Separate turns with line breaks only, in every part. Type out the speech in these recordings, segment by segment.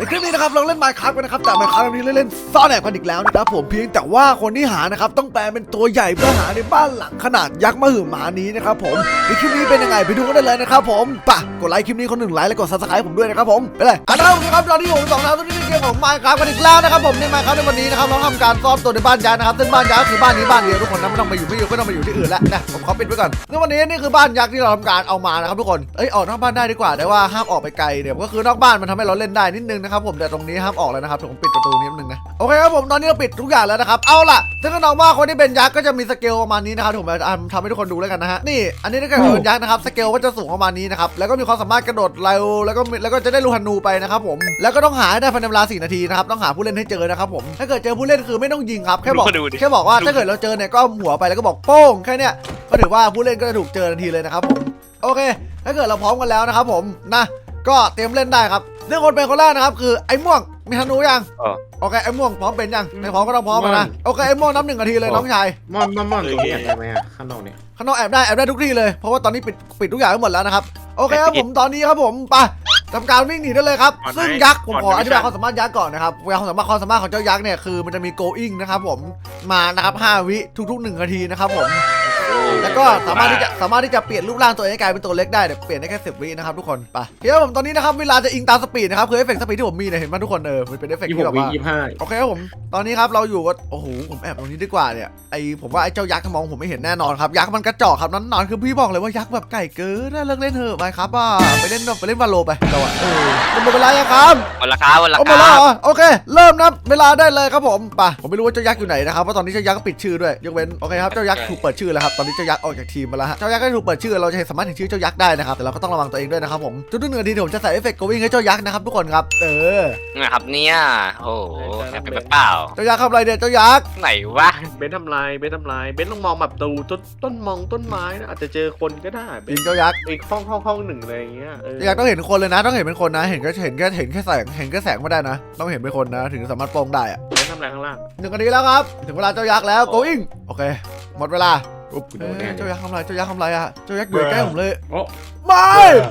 ในคลิปนี้นะครับเราเล่น Minecraft กันนะครับแต่ Minecraft นี้เล่นซ่อนแอบกันอีกแล้วนะครับผมเพียงแต่ว่าคนที่หานะครับต้องแปลเป็นตัวใหญ่เพื่อหาในบ้านหลังขนาดยักษ์มหึมานี้นะครับผมในคลิปนี้เป็นยังไงไปดูกันได้เลยนะครับผมป่ะกดไลค์คลิปนี้คนหนึ่งไลค์และกด Subscribe ผมด้วยนะครับผมไปเลยนะครับตอนนี้ผม2แล้วตอนนี้ในเกมของ Minecraft กันอีกแล้วนะครับผมใน Minecraft ในวันนี้นะครับเราทำการซ่อนตัวในบ้านยักษ์นะครับซึ่งบ้านยักษ์คือบ้านนี้บ้านเดียวทุกคนนะไม่ต้องไปอยู่ที่อื่นแล้วนะผมขอปิดไว้ก่อนในวันนี้นี่คือบ้านยักษ์ที่เราทำการเอามานะครับทุกคนออกนอกบ้านได้ดีกว่าแต่ว่าห้ามออกไปไกลเดี๋ยวก็คือนอกบ้านมันทำให้เราเล่นได้นิดนึงนะครับผมแต่ตรงนี้ห้ามออกแล้วนะครับผมปิดประตูนี้นิดนึงนะโอเคครับผมตอนนี้เราปิดทุกอย่างแล้วนะครับเอาล่ะซึ่งก็น้องว่าคนที่เป็นยักษ์ก็จะมีสเกลประมาณนี้นะครับผมทำให้ทุกคนดูแล้วกันนะฮะนี่อันนี้ถ้าเกิดเป็นยักษ์นะครับสเกลก็จะสูงประมาณนี้นะครับแล้วก็มีความสามารถกระโดดเร็วแล้วก็จะได้ลูกธนูไปนะครับผมแล้วก็ต้องหาได้ภายในเวลา4 นาทีนะครับต้องหาผู้เล่นให้เจอนะครับผมถ้าเกิดเจอผู้เล่นคือไม่ต้องยิงครับแค่บอกว่าถ้าเกิดเราเจอเนี่ยก็หัวไปแล้วก็บอกโป้งแค่เนี้ยก็ถือว่าผู้เล่นก็จะถูกเจอทันทีเลยนะครับผมโอเคถ้าเกิดเราพร้อมกันแล้วนะครับผมนะก็เตรียมเล่นได้ครับเรื่องคนเป็นคนแรกนะครับคือไอ้ม่วงมีธนูยังโอเคไอ้ม่วงพร้อมเป็นยังไม่พร้อมก็ต้องพร้อมนะโอเคไอ้ม่วงนับ1 นาทีเลยน้องชาย
ม่อนตรงนี้แอบได้ไหมอะข้างนอกเนี่ย
ข้างนอกแอบได้ทุกที่เลยเพราะว่าตอนนี้ปิดทุกอย่างไปหมดแล้วนะครับโอเคครับผมตอนนี้ครับผมไปทำการวิ่งหนีได้เลยครับซึ่งยักษ์ผมขออธิบายความสามารถยักษ์ก่อนนะครับความสามารถของเจ้ายักษ์เนี่ยคือมันจะมี going นะครับผมมานะครับ5 วิทุกๆ1 นาทีนะครับผมแล้วก็สามารถที่จะเปลี่ยนรูปร่างตัวเองให้กลายเป็นตัวเล็กได้เปลี่ยนได้แค่10 วินะครับทุกคนไปเดี๋ยวผมตอนนี้นะครับเวลาจะอิงตามสปีดนะครับคือเอฟเฟกต์สปีดที่ผมมีเนี่ยเห็นไหมทุกคนมันเป็นเอฟเฟกต์ที่แบบว่าโอเคครับผมตอนนี้ครับเราอยู่ก็โอ้โหผมแอบตรงนี้ดีกว่าเนี่ยผมว่าไอ้เจ้ายักษ์มองผมไม่เห็นแน่นอนครับยักษ์มันกระจอกครับนอนคือพี่บอกเลยว่ายักษ์แบบไก่เกินเลิกเล่นเถอะไปครับไปเล่นวาโลไปเราหมดเวลายังครับ
หมดละครับ
โอเคเริ่มนับเวลาได้เลยครับผมไปผมไม่รู้ว่าเจ้ายักษ์อยู่ไหนนะครับเพราะตอนนี้เจ้ายักษ์ก็ปิดชื่อด้วยยกเว้นโอเคครับเจ้ายักษ์ถูกเปิดชื่อแล้วครับตอนนี้เจ้ายักษ์ออกจากทีมมาแล้วฮะเจ้ายักษ์ก็ถูกเปิดชื่อเราจะสามารถเห็นชื่อเจ้ายักษ์ได้นะครับแต่เราก็ต้องระวังตัวเองด้วยนะครับผมทุกๆ1 นาทีผมจะใส่เอฟเฟกต์ going ให้เจ้ายักษ์นะครับทุกคนครับ
นะครับเนี่ยโอ้โหเป็นเปล่า
เจ้ายักษ์ทำอะไรเนี่ยเจ้ายักษ์
ไหนวะ
เบนทำลายเบนต้องมองแบบต้นไม้นะอาจจะเจอคนก็ได้
จริงเจ้ายักษ์
อีกห้องหนึ่งอะไรอย่างเงี้ย
เจ้ายักษ์ต้องเห็นคนเลยนะต้องเห็นเป็นคนนะเห็นแค่แสงไม่ได้นะต้องเห็นเป็นคนนะถึงสามารถโปร่งได้อะ
เบนทำลายข้างล่าง
1 นาทีแล้วครับถึงเวลาเจ้ายักษ์แล้ว going โอเคหมดเวลาเจ้ายักษ์ทำอะไรอะเจ้ายักษ์อยู่ใกล้ผมเลยไม่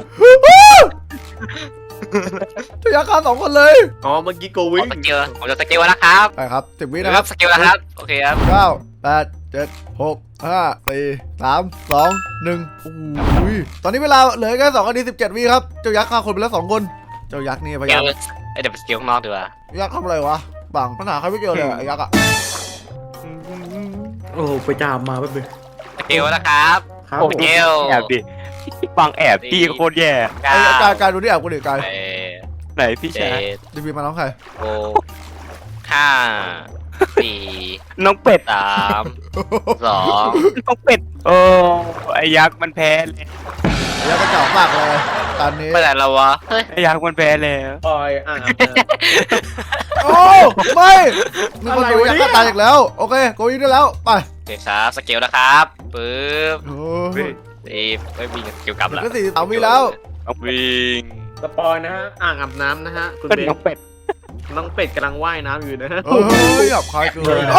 เจ้ายักษ์ฆ่า2 คนเลย
เมื่อกี้โกวิ่ง
ผมจะสเกลแล้วครับ
ไปครับ10 วินะครับ
สเกลแล้วครับโอเคครับ
9 8 7 6 5 4 3 2 1อุ้ยตอนนี้เวลาเหลือแค่2 นาที 17 วิครับเจ้ายักษ์ฆ่าคนไปแล้ว2 คนเจ้ายักษ์นี่พยายาม
เดี๋ยวไปสเกลข้างนอกดีกว่า
ยักษ์ทำอะไรวะบังปัญหาใครไม่เกี่ยวเลยไอ้ยักษ์อะ
โอ้ไปจามมาแป๊บนึง
สเกลแล้วครับ
ส
เกล
แอบดิฟังแอบพี่โคตรแย่
การดูที่แอบกูดิการ
ไหนพี่ชาย
ดีบีมาน้องใคร
5 4
น้องเป็ด
3 2
น้องเป็ดไอ้ยักษ์มันแพ้เลย
ยักษ์กระจอกมากเลยตอนนี้
ไปไหนแล้ววะ
ไอ้ยักษ์มันแพ้แล้ว
โอ้ไม่มีคนโดนยักษ์ตายอีกแล้วโอเคโกยได้แล้วไป
เดี๋ยวครับสเกลนะครับปึ๊บไม่วิ่งสเกลกลับแล้ว
ก็43 วิแล้ว
วิ่ง
สปอยนะฮะอ่างอาบน้ำนะฮะคุณเบนน้องเป็ดกำลังว่ายน้ำอยู่นะฮะ
หยับคายเกิน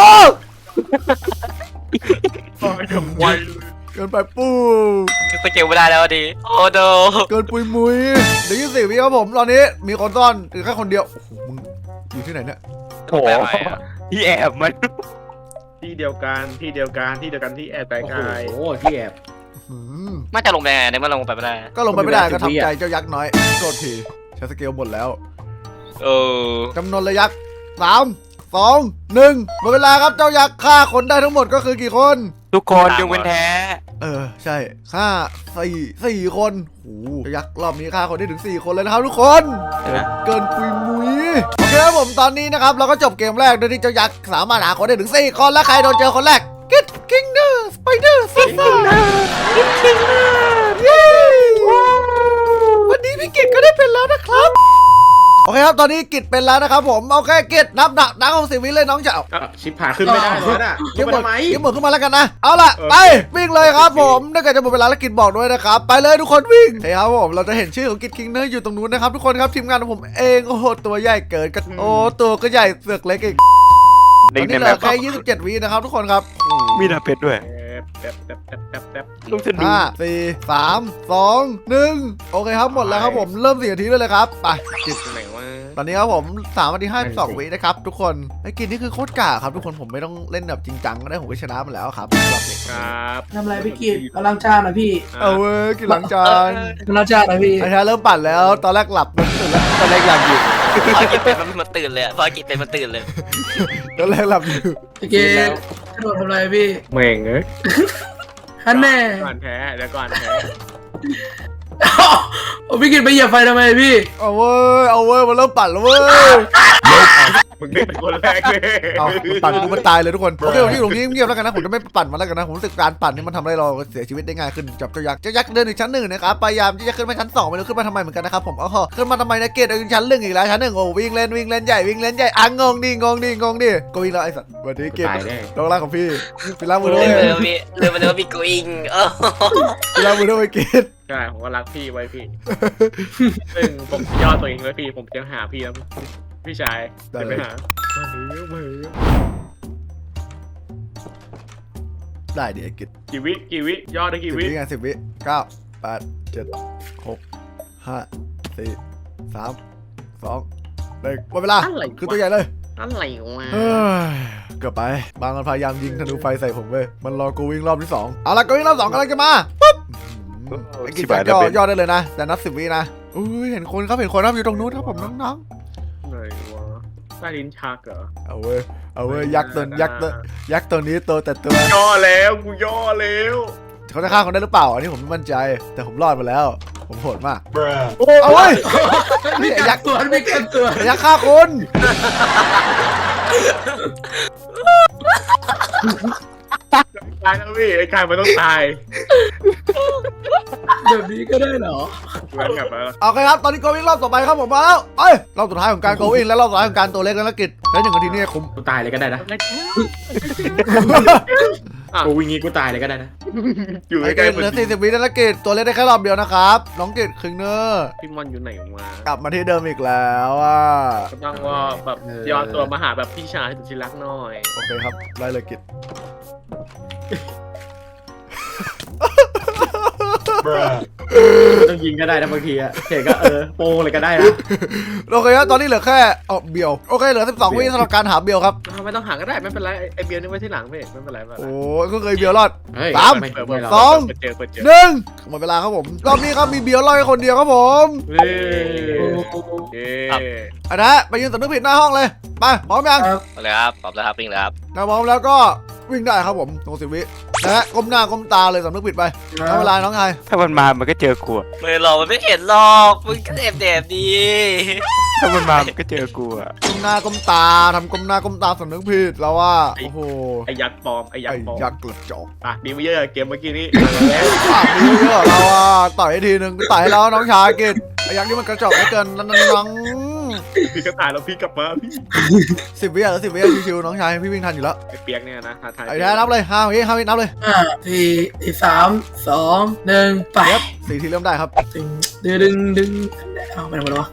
เกินไปปู
สเกลไม่ได้แล้วดิโอ้โด
เกินปุยมุยเดี๋ยว24 วิครับผมตอนนี้มีคนซ่อนหรือแค่คนเดียวโอ้โหมึงอยู่ที่ไหนเนี่ย
โอ้ที่แอบมัน
ที่เดียวกันที่แอบไกลๆโอ้ที่แอบ
ไม่จะลงไปไหนมันลงไปไม่ได้
ก็ลงไปไม่ได้ก็ทำใจเจ้ายักษ์น้อยโทษทีใช้สเกลหมดแล้วจำนวนระยักษ์3 2 1หมดเวลาครับเจ้ายักษ์ฆ่าคนได้ทั้งหมดก็คือกี่คน
ทุกคนยกเว้นแท้
ใช่ฆ่า4 คนโอ้เจ้ายักษ์รอบนี้ฆ่าคนได้ถึง4 คนเลยนะครับทุกคนเกินปุยมุยโอเคครับผมตอนนี้นะครับเราก็จบเกมแรกโดยที่เจ้ายักษ์สามารถหาคนได้ถึง4 คนและใครโดนเจอคนแรกGet Kingdom Spider ซ่าGet Kingdom วันนี้พี่กิตก็ได้เป็นแล้วนะครับโอเคครับตอนนี้กิตเป็นแล้วนะครับผมโอเคกิตนับของ10 วิเลยน้องเจ้า
ชิบหายขึ้นไม่ได้แล้วน่ะ
เก็บหมดขึ้นมาแล้วกันนะเอาล่ะไปวิ่งเลยครับผมถ้าเกิดจะหมดเวลาแล้วกิตบอกด้วยนะครับไปเลยทุกคนวิ่งเฮ้ยครับผมเราจะเห็นชื่อของกิตคิงเนอร์อยู่ตรงนู้นนะครับทุกคนครับทีมงานของผมเองโอ้โหตัวใหญ่เกินกันตัวก็ใหญ่เสือกเล็กอีกตอนนี้เหลือแค่27 วินะครับทุกคนครับ
มีดาเป็ดด้วย
ลูกฉันดู5 4 3 2 1โอเคครับหมดแล้วครับผมเริ่ม4 นาทีเลยครับไป
จิตไหนวะ
ตอนนี้ครับผม3 นาที 52 วินะครับทุกคนไอ้กินนี่คือโคตรกากครับทุกคนผมไม่ต้องเล่นแบบจริงจังก็ได้ผมก็ชนะมันแล้วครับรอบนี้
ครับ
ทำอะไรพี่กิจกำลังจ้านะพี่
เอาเว้ยกินหลังจาน
กำลังจ้านะพี่
ไอ้แท้เริ่มปั่นแล้วตอนแรกหลับตื่นแล้วตอนแรกหลับอยู่
พอกินเป็นมันตื่นเลยพอกินเป็นมันตื่นเลย
ตอนแรกหลับอยู่
พี่กิจกระโดดทำอะไรพี่
เม่งเอ้ย
ฮันแน่
ก่อนแพ้เดี๋ยวก่อนแพ้
โอ้พี่กิจไปเหยียบไฟทำไมพี่
เอาเว้ยมันเริ่มปั่นแล้วเว้ย
มึงเป็นคนแรกเลย
เอามันปั่นกูมันตายเลยทุกคนโอเคผมอยู่ตรงนี้เงียบแล้วกันนะผมจะไม่ปั่นมันแล้วกันนะผมรู้สึกการปั่นนี่มันทำให้เราเสียชีวิตได้ง่ายขึ้นจับเจ้ายักษ์เดินถึงชั้น 1นะครับพยายามที่จะขึ้นไปชั้น 2ไม่รู้ขึ้นมาทำไมเหมือนกันนะครับผมขึ้นมาทำไมนะเกตชั้น 1อีกแล้วชั้น 1โอ้วิ่งเล่นใหญ่อ่ะงงดิก็วิ่งแล้วไอ้สัตว์วันนี้เกต
ตายแน่
ลงล่างของพี่ล้างมือด้ว
เริ่
ย
มเลยว่าพี่เริ่มเลยว่าพี่กูอิง
ล้างมือด้วยเกต
ใช่ผมก็รักพี่ไว้พี่ ซึ่งผมย่อตัวเองไว้พี่ผมจะหาพี่แล้วพี่ชายจะไปหามา
ได้ดิไอ้กิต
กี่วิย่อได้กี่
10
วิ
วิไง10 วิ9 8 7 6 5 4 3 2 1หมดเวลาคือตัวใหญ่เลย
อะไรวะ
เฮ้ยเกือบไปบางมันพยายามยิงธนูไฟใส่ผมเว้ยมันรอกูวิ่งรอบที่ 2เอาละกูวิ่งรอบ 2กำลังจะมาปุ๊บไอ้กิจย่อได้เลยนะแต่นับ10 วินะอุ้ยเห็นคนครับอยู่ตรงนู้นครับผมน้อง
ไหนวะใต้ลิ้นชักเหรอ
ๆเอาเว้ยยักษ์ตัวนี้โตแต่ตัว
ย่อแล้วกูย่อแล้ว
เขาจะฆ่าคนได้หรือเปล่าอันนี้ผมไม่มั่นใจแต่ผมรอดมาแล้วผมโหดมาก
โอ้
เอาเว้ย
ไม่กักตัวไม่กักตัว
ยักษ์ฆ่าคน
ตายแล้วพี่ไอ้กายมันต้องตาย
แบบนี้ก็ได้เหรอ
เว้นกลับมาแล้ว
โอเคครับตอนนี้โกวิ่งรอบต่อไปครับผมมาแล้วรอบสุดท้ายของการโกวิ่งและรอบสุดท้ายของการตัวเล็กและกิจและ1 นาทีนี่คุ้ม
กูตายเลยก็ได้นะกูวิ่งงี้กูตายเลยก็ได้นะ
อยู่
ไอ้
ใกล้
เกตเหลือ40 วิแล้วนะกิจตัวเล็กได้แค่รอบเดียวนะครับน้องกิจคิงเนอร์
พี่มอนอยู่ไหนมาก
ลับมาที่เดิมอีกแล้วอ่ะ
ก็ต้องว่าแบบย้อนตัวมาหาแบบพี่ชายสุดที่รักหน่อย
โอเคครับได้เลยกิจ
ต้องยิงก็ได้นะบางทีอะเฉยก็โป้งเลยก็ได้นะ
โอเคครับตอนนี้เหลือแค่เบียวโอเคเหลือ12 วิสำหรับการหาเบียวครับ
ไม่ต้องหาก็ได้ไม่เป็นไรไอเบียร์นี่ไว้ที่หลังพี่ไม่เป็นไรไม่เป็นไร
โอ้ก็เคยเเบียวรอด
เฮ้ย
สาม
ไม่ไม่หรอก
สอง
เปิดเจอ
1หมดเวลาครับผมรอบนี้ครับมีเบียวรอดแค่คนเดียวครับผม
เฮ้ย
อันนั้นไปยืนสำนึกผิดหน้าห้องเลยไปพร้อมยัง
เอาเลยครับพร้อมแล้วครับวิ่งแล้วครับ
ถ้าพร้อมแล้วก็วิ่งได้ครับผมตรง10 วินะฮะก้มหน้าก้มตาเลยสำนึกผิดไปเอาเวลาน้องชาย
ถ้ามันมามันก็เจอกูอะ
ไม่หรอกมันไม่เห็นหรอกมึงก็เด็บดี
ถ้ามันมามันก็เจอกูอะ
ก้มหน้าก้มตาทำก้มหน้าก้มตาสำนึกผิดแล้วว่าโอ้โห
ไอยักษ์ปลอมไอยัก
ไอ้
ษ์ปลอม
ยักษ์กระจอก
ปากดีไม่เยอะเกมเมื่อกี้นี้
ปากนี้เยอะเราอ่ะต่อยให้ทีนึงต่อยให้แล้วน้องชายกินไอ้ยักษ์นี่มันกระจอกเหลือเกินน้อง
พี่ก็ตายแล้วพี่กลับมาพี่
10 วิอ่ะ10 วิชิวๆน้องชายพี่วิ่งทันอยู่แล้ว
ไอเปียกเนี่ยนะท้าทาย
ไอ้แท้นับเลย5 วินับเลย
5 4 3 2 1ไป
4 ทีเริ่มได้ครับ
ดึงเอาไปไหนหมดวะ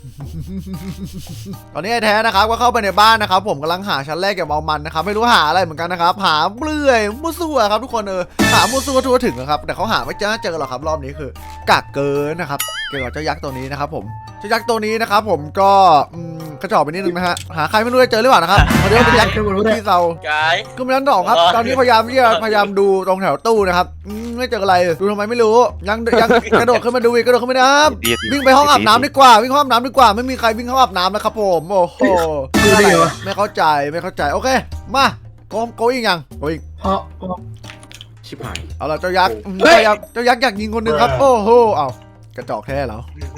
ตอนนี้ไอ้แท้นะครับก็เข้าไปในบ้านนะครับผมกำลังหาชั้นแรกเก็บเอามันนะครับไม่รู้หาอะไรเหมือนกันนะครับหาเปลื่อยมั่วซั่วครับทุกคนหามั่วซั่วทั่วถึงนะครับแต่เขาหาไม่เจอหรอกครับรอบนี้คือกากเกินนะครับเกี่ยวกับเจ้ายักษ์ตัวนี้นะครับผมเจ้ายักษ์ตัวนี้นะครับผมก็กระจอกไปนิดนึงนะฮะหาใครไม่รู้จะเจอหรือเปล่านะครับเพราะเดี๋ยวเป็นยักษ์ที่เรา
กาย
ก็ไม่นั้นดอกครับตอนนี้พยายามดูตรงแถวตู้นะครับไม่เจออะไรดูทำไมไม่รู้ยังกระโดดขึ้นมาดูอีกกระโดดขึ้นไม่ได้ วิ่งไปห้องอาบน้ำดีกว่าวิ่งห้องอาบน้ำดีกว่าไม่มีใครวิ่งห้องอาบน้ำแล้วครับผมโอ้โหไม่เข้าใจโอเคมาโกอีกยังโกอีก
เพราะ
ชิบหาย
เอาละเจ้ายักษ์เจ้ายักษ์อยากยิงคนหนึ่งครับโอ้โหเอากระจอกแท้เหรอ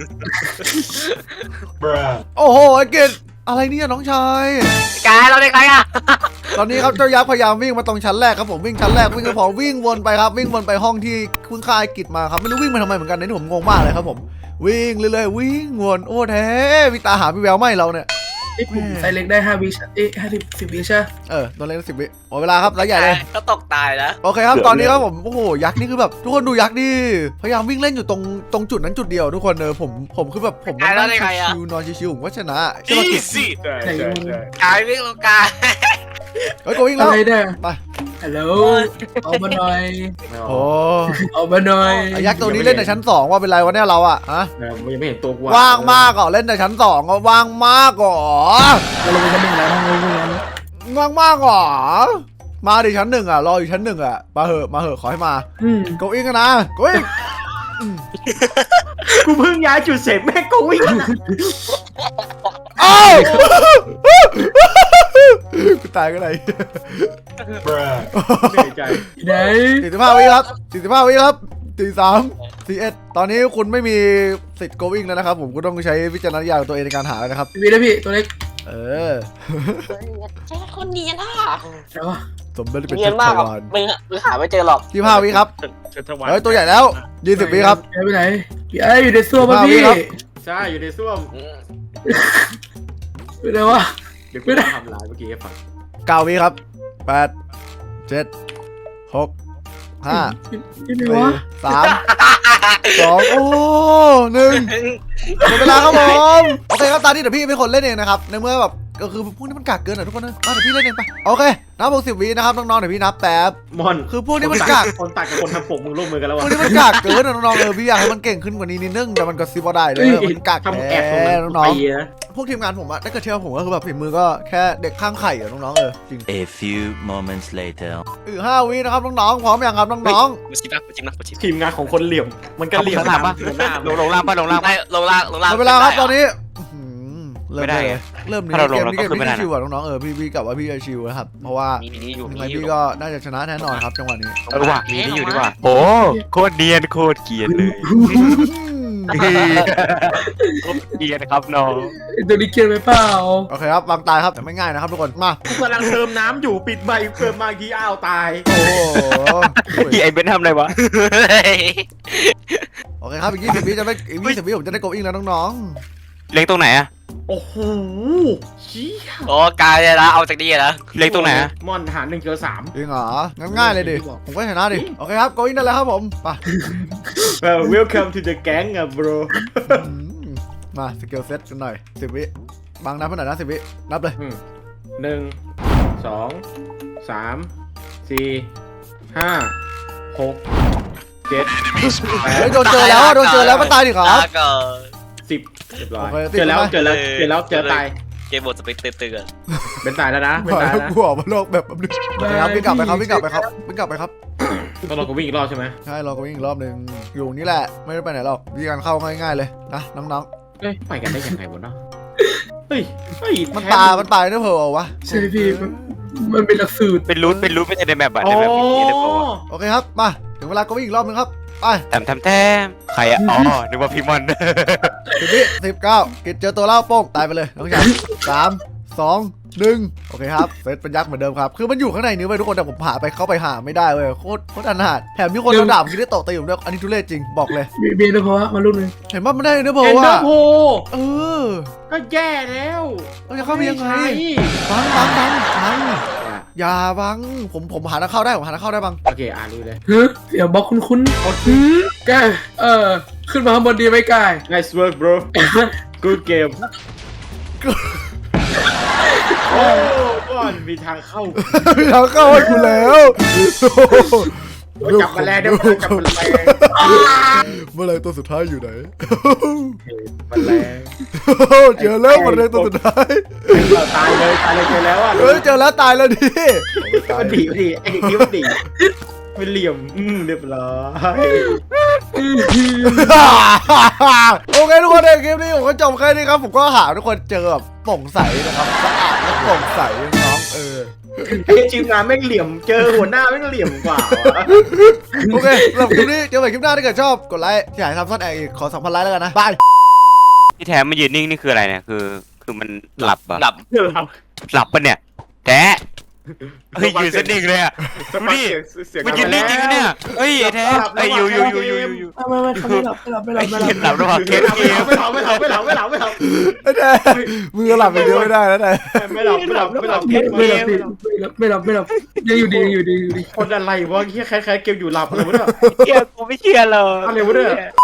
โอ้โหไอ้เกดอะไรเนี่ยน้องชาย
กายเราเด็กไรอ่ะ
ตอนนี้ครับเจ้ายักษ์พยายามวิ่งมาตรงชั้นแรกครับผมวิ่งชั้นแรกวิ่งไปพอวิ่งวนไปครับวิ่งวนไปห้องที่คุณค่ายกิจมาครับไม่รู้วิ่งมาทำไมเหมือนกันนี่ผมงงมากเลยครับผมวิ่งเรื่อยๆวิ่งวนโอ้แท้พี่ตาหาพี่แววไม่เราเนี่ย
ไอ้ผมไซเล็กได้5 วิ50 วิใช่
ตัวเล็ก10 วิหมดเวลาครับแล้วใหญ่เลย
ก็ตกตายนะ
โอเคครับตอนนี้ครับผมโอ้โหยักษ์นี่คือแบบทุกคนดูยักษ์ดิพยายามวิ่งเล่นอยู่ตรงจุดนั้นจุดเดียวทุกคนผมคือแบบผมนั่งชิวๆนอนชิวๆผมก็ชนะใช่ไหมกิจ
ใช่
กายวิ่งลงกาย
เฮ้ยโกวิ่งแล้ว
อะไรเนี่ย
ไป
ฮัลโหลเอามาหน่อย
ไม่เอา
โอ้
เอามาหน่อย
ไอ้ยักษ์ตัวนี้เล่นในชั้น2ว่าเป็นไรวะเนี่ยเราอะฮะ
ยังไม่เห็นตัวกู
ว่างมากอ่ะเล่นในชั้น2ก็ว่างมากอ่ะ
เราลงไปชั้นหนึ่งแล้วทางลงไปแล้ว
ว่างมากอ่ะมาดิชั้น1อ่ะรออยู่ชั้น1อ่ะมาเหอะขอให้มา โกอิงกันนะโกอิง
กูเพิ่งย้ายจุดเสร็จแม่งก็วิ่งแล้วนะ
อ้าวกูตายก็ไหน
เหนื่อยใจ
ไหน
45 วิครับ45 วิครับ43 41ตอนนี้คุณไม่มีสิทธิ์โกอิงแล้วนะครับผมคุณต้องใช้วิจารณญาณของตัวเองในการหาแล้วนะครับ
พี่นะพี่ตัวเล็ก
เออ
แค่คนเนียนอ่ะ
แล้ววะ
สมเป็นเป็น
เนีย
เจ้าน
มาก
ชา
อ่ะ
วาน
มึงหาไม่เจอหรอก
25 วิครับ
เชิญถวาย
เฮ้ยตัวใหญ่แล้ว20 วิครับ
ไปไหนพี่ไอ้อยู่ในซ่วมป่ะ
มาพี่
พี่
ครับ
ใช่อยู่ในส้วม
ไปไหนวะ
เดี๋ยวกูจะทำลายเมื่อกี้ให้ฟัง
9 วิครับ8 7 6 5
ที่ไหนวะ
3 2 โอ้1 หมดเวลาครับผมโอเคครับตอนนี้เดี๋ยวพี่เป็นคนเล่นเองนะครับในเมื่อแบบก็คือพวกนี้มันกักเกินอ่ะทุกคนนะมาเดี๋ยวพี่เล่นเองไปโอเคนับ60 วินะครับน้องๆเดี๋ยวพี่นับแป๊บ
มอน
คือพวกนี้มันกัก
คนตัดกับคนทำผมมึงร่วมมือกันแล้ว
พ
วะ
วกนี้มันกักเกินอ่ะน้องๆพี่อยากให้มันเก่งขึ้นกว่านี้นิดนึงแต่มันก็ซิบว่าได้เลยมันกัก
ทำแอบตรงนั้น
น้อง
ไปนะ
ๆพวกทีมงานผมอะถ้าเกิดเชื่อผมก็คือแบบฝีมือก็แค่เด็กข้างไข่อะน้องๆจริง
A few moments later.
5 วินะครับน้องๆพร้อมยังครับน้อง
กูชิมนะกูชิมนะกูชิม
ทีมงานของคนเหลี่ยม มันก็เหลี่ยม
ข้างล่างปะ
หน้า
ลงล่างปะลงล่าง
ได้
ปะ
ลงล่างลง
ๆ
ล่าง
หมดเวลาครับตอนนี้อื้อหือเริ่
ไม่ได้
เลย
ไง
เริ่มนี้
ถ้าเราลง
เกมนี้เกม
เราก็ขึ้นไม่
พี่
ได้นะ
ชิวอะน้องๆพี่กลับว่าพี่จะชิวนะครับเพราะว่า
มีอยู่
ยังไง
มีอยู่
พี่ก็น่าจะชนะแน่นอนครับจังหวะนี้
เออว่ะมีนี่อยู่ดีกว่าโอ้โคตรเนียนโคตรเกรียนเลยโคตรเกรียนครับน้อง
ตัวนี้เกลียดไปเปล่า
โอเคครับวางตายครับแต่ไม่ง่ายนะครับทุกคนมา
กูกำลังเติมน้ำอยู่ปิดใบเติมมากี่อ้าวตาย
โอ้โห
ไอ้เบนทำอะไรวะ
โอเคครับอีก20 วิจะได้อีก20 วิผมจะได้โกอิงแล้วน้อง
เล็งตรงไหนอะ
โอ้โหเชี่ย
โอ้กายเลยนะเอาจากนี่นะ
เล็งตรงไหนอะ
มอนหาร1เจอ3
ๆจริงเหรองั้นง่ายเลยดิผมก็ชนะดิโอเคครับโกอิงได้แล้วครับผมไป
Welcome to the gang อ่ะ bro
มาสเกลเซตกันหน่อย10 วิบางนับเท่าไหร่นะ10 วินับเลย
1 2 3 4 5 6 7
เฮ้ยโดนเจอแล้วอะโดนเจอแล้วก็ตายดิครับ
ลาก่อน
10เรียบร้อย
โอเค
เจอแล้ว
ติดไหม
เจอตาย
เกมบทสเปกเตือน
เป็นตายแล้วนะเป็น
บอก
ตาย
ให้
แล้วนะ
กูออกมาโลกแบบนึงโอเคครับวิ่งกลับไปครับวิ่งกลับไปครับวิ่งกลับไปครับ
ต้องรอกูวิ่งอีกรอบใช่ไหม
ใช่เราก็วิ่งอีกรอบนึงอยู่นี่แหละไม่ได้ไปไหนหรอกวิธีการเข้าง่ายๆเลยนะน้อง
เฮ้ยไปกันได้ยังไงวะเนาะเฮ้ย
ๆมันตายเนื้อเพลวะ
ใช่พี่มันเป็นหลักสูตร
เป็นรูทไม่ใช่ในแมปอะ
อ๋
ใน
อ
แมปมีได้ปะวะ
โอเคครับมาถึงเวลาก็วิ่งอีกรอบนึงครับไป
แทมใครอะอ๋อนึกว่าพี่มอน
10 วิ19กิจเจอตัวเล่าโป้งตายไปเลยน้องชาย3 2 1โอเคครับเซตเป็นยักษ์เหมือนเดิมครับคือมันอยู่ข้างในนี้เว้ยทุกคนแต่ผมเข้าไปหาไม่ได้เว้ยโคตรอนาถแถมมีคนโดนด่าคิดได้ตกตีผมด้วยอันนี้ทุเรศจริงบอกเลย
เบียร์นะเพราะว่ามาลูกนึง
เห็นว่ามันได้เนื้อเพล
เอ็นเดอ
ว่ะ
ร์โพ
เออ
ก็แย่แล้ว
เราจะเข้าไปยังไง
ม่ใช่
บังอย่าบังผมหาทางเข้าได้ผมหาทางเข้าได้บัง
โอเครู้เลย
เฮ้ยเสียงบล็อกคุ้นๆแกขึ้นมาข้างบนดีไหมกาย
Nice work bro Good game โอ้ก่อนมีทางเข้า
มีทางเข้าให้คุณแล้ว
จับแมลงได้ไหมจับแมลง
เมื่อไรตัวสุดท้ายอยู่ไหน
แมลง
เจอแล้วเมื่อไรตัวสุดท้าย
ตายเลยเจอแล้วอ่ะ
เฮ้ยเจอแล้วตายแล้วดิ
มันดีไอ้เด็กนี้มันดีเป็นเหลี่ยมเรียบร้อย
โอเคทุกคนในคลิปนี้ผมก็จบแค่นี้ครับผมก็หาทุกคนเจอแบบโปร่งใสนะครับสะอาดและโปร่งใสน้อง
ไอ้ทีมงานแม่งเหลี่ยมเจอหัวหน้าแม่งเหลี่ยมกว่า
โอเคสำหรับคลิปนี้เจอกันคลิปหน้าถ้าเกิดชอบกดไลค์อยากให้ทำซ่อนแอบอีกขอ 2,000 ไลค์แล้วกันนะบาย
ที่แท้มันยืนนิ่งนี่คืออะไรเนี่ยคือมันหลับอะ
หลับ
หลับปะเนี่ยแท้เฮ้ยยืนสนิ่งเลยอะดูดิมันยืนนิ่งจริงนะเนี่ยเฮ้ยไอ้แท้ไอ้อยู่
ไม่เขาไม่หลับ
ไอ้เหี้ยหลับระหว่างเกม
ไม่หลับ
ไอ้แน่มือหลับอย่างเดียวไม่ได้นะแต่
ไม่หลับ
ยังอยู่ดี
คนอะไรวะเฮียคล้ายๆเกมอยู่หลับอะไรวะเนี่ย
เชื่อกูไม่เชื่อเลย
อะไรวะเนี่ย